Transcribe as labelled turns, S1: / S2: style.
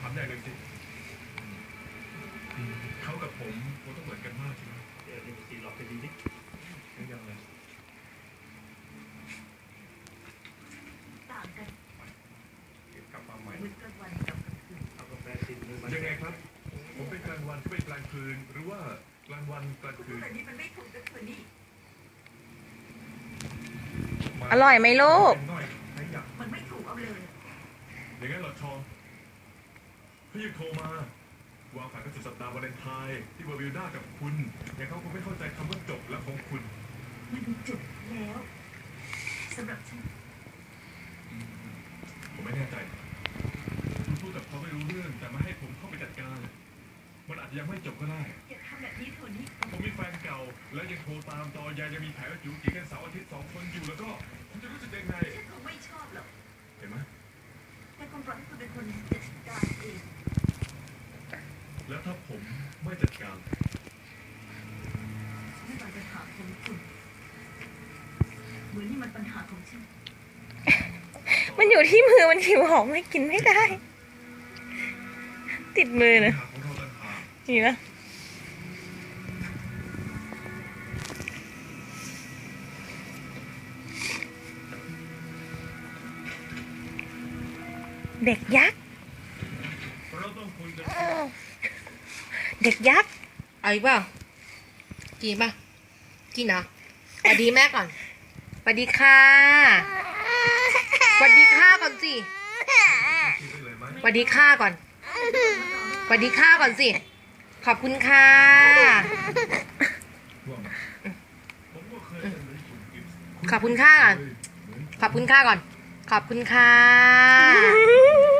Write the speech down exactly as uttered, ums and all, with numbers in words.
S1: ามอย่างหนึ่งสิเขากับผมคงต้องเหมือนกันมากใช่ไหมเดี๋ยวดูสิหลอกไปดีดิยังไง
S2: ต่างกัน
S1: กลับมาใหม่
S2: มืดกลางวันกับกลางคืน
S1: เอากาแฟติดมือมายังไงครับผมเป็นกลางวันเขาเป็นกลางคืนหรือว่ากลางวันกลางคืน
S2: แต่นี้มันไม่ถูกกับเธอนี่
S3: อร่อยไหมลูก
S2: มันไม่ถูกเอาเลย
S1: อย่างนั้นเหรอชองเขายังโทรมาวางแผนกันสุดสัปดาห์วาเลนไทน์ที่เวอร์วิลด้ากับคุณแต่เขาคงไม่เข้าใจคำว่าจบแล้วของคุณ
S2: มันจบแล้วสำหรับฉัน
S1: ผมไม่แน่ใจคุณพูดกับเขาไม่รู้เรื่องแต่มาให้ผมเข้าไปจัดการมันอาจจะยังไม่จบก็ได้
S2: อย่าทำแบบนี้เถอะนี่
S1: ผมมีแฟนเก่าแล้วยังโทรตามตอยายยังมีแผลจู๋จีกันเสาร์อาทิตย์สองคนอยู่แล้วก็คุณจะรู้สึกยังไง
S2: ฉันคงไม่ชอบหรอก
S1: เห็นไหม
S2: แต่คงปล่อยให้คุณเป็นคนจัดการเอง
S1: แล้วถ้าผมไม่จัดการ
S2: ไม่เป็นปัญหาของคุณเหมือนนี่มันปัญหาของฉัน
S3: มันอยู่ที่มือมันหิวหอมไม่กินไม่ได้ติดมือนะนี่นะเด็กยักษ์เด็กยักษ์
S4: เอาอีกเปล่ากินป่ะกินเหรอสวัสดีแม่ก่อนสวัสดีค่ะสวัสดีค่ะก่อนสิสวัสดีค่ะก่อนสวัสดีค่ะก่อนสิขอบคุณค่ะขอบคุณค่ะก่อนขอบคุณค่ะก่อนขอบคุณค่ะ